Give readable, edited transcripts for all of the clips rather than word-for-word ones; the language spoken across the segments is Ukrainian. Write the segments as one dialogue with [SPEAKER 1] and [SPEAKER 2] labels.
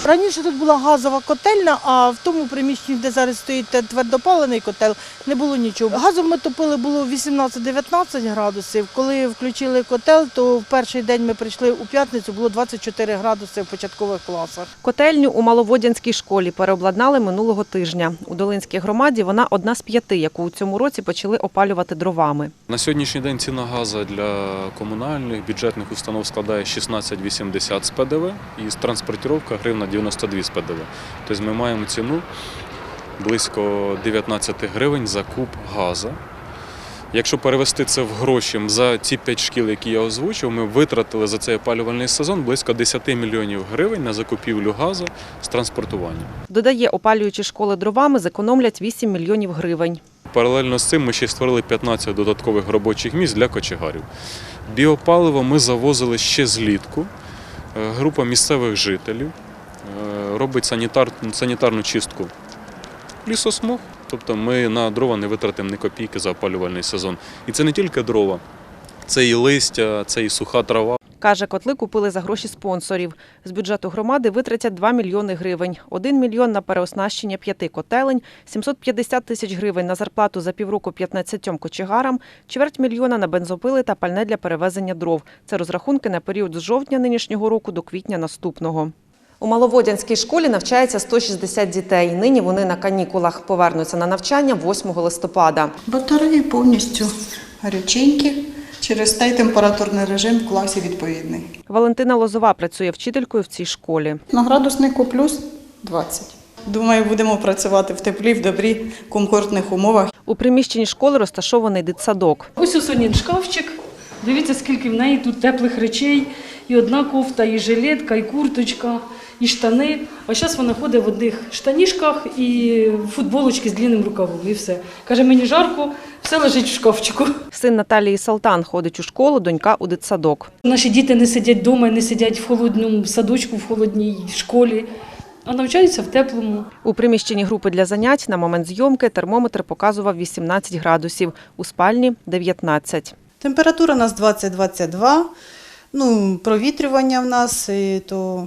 [SPEAKER 1] Раніше тут була газова котельня, а в тому приміщенні, де зараз стоїть твердопалений котел, не було нічого. Газом ми топили було 18-19 градусів. Коли включили котел, то в перший день ми прийшли у п'ятницю, було 24 градуси в початкових класах.
[SPEAKER 2] Котельню у Маловодянській школі переобладнали минулого тижня. У Долинській громаді вона одна з 5, яку у цьому році почали опалювати дровами.
[SPEAKER 3] На сьогоднішній день ціна газу для комунальних, бюджетних установ складає 16,80 з ПДВ і з транспортировка гривна 92 з ПДВ. Тобто ми маємо ціну близько 19 гривень за куб газу. Якщо перевести це в гроші, за ці 5 шкіл, які я озвучив, ми витратили за цей опалювальний сезон близько 10 мільйонів гривень на закупівлю газу з транспортуванням.
[SPEAKER 2] Додає, опалюючи школи дровами, зекономлять 8 мільйонів гривень.
[SPEAKER 3] Паралельно з цим ми ще створили 15 додаткових робочих місць для кочегарів. Біопаливо ми завозили ще злітку. Група місцевих жителів робить санітарну чистку лісосмуг. Тобто ми на дрова не витратимо ні копійки за опалювальний сезон. І це не тільки дрова, це і листя, це і суха трава.
[SPEAKER 2] Каже, котли купили за гроші спонсорів. З бюджету громади витратять 2 мільйони гривень. 1 мільйон на переоснащення 5 котелень, 750 тисяч гривень на зарплату за півроку 15 кочегарам, чверть мільйона на бензопили та пальне для перевезення дров. Це розрахунки на період з жовтня нинішнього року до квітня наступного. У Маловодянській школі навчається 160 дітей. Нині вони на канікулах. Повернуться на навчання 8 листопада.
[SPEAKER 4] Батареї повністю гаряченькі. Через те й температурний режим в класі відповідний.
[SPEAKER 2] Валентина Лозова працює вчителькою в цій школі.
[SPEAKER 4] На градуснику плюс 20. Думаю, будемо працювати в теплі, в добрі, комфортних умовах.
[SPEAKER 2] У приміщенні школи розташований дитсадок.
[SPEAKER 5] Ось у Сонін шкафчик. Дивіться, скільки в неї тут теплих речей. І одна кофта, і жилетка, і курточка, і штани. А зараз вона ходить в одних штанішках і футболочки з длинним рукавом. І все. Каже, мені жарко, все лежить в шкафчику.
[SPEAKER 2] Син Наталії Салтан ходить у школу, донька у дитсадок.
[SPEAKER 5] Наші діти не сидять вдома, не сидять в холодному садочку, в холодній школі, а навчаються в теплому.
[SPEAKER 2] У приміщенні групи для занять на момент зйомки термометр показував 18 градусів, у спальні – 19.
[SPEAKER 4] Температура у нас 20-22, провітрювання в нас то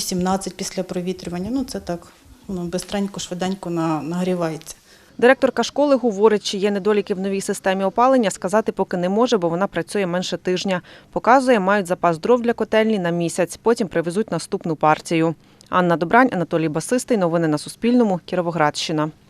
[SPEAKER 4] 18 після провітрювання. Це так, воно бистренько, швиденько нагрівається.
[SPEAKER 2] Директорка школи говорить, чи є недоліки в новій системі опалення, сказати поки не може, бо вона працює менше тижня. Показує, мають запас дров для котельні на місяць, потім привезуть наступну партію. Анна Добрань, Анатолій Басистий. Новини на Суспільному. Кіровоградщина.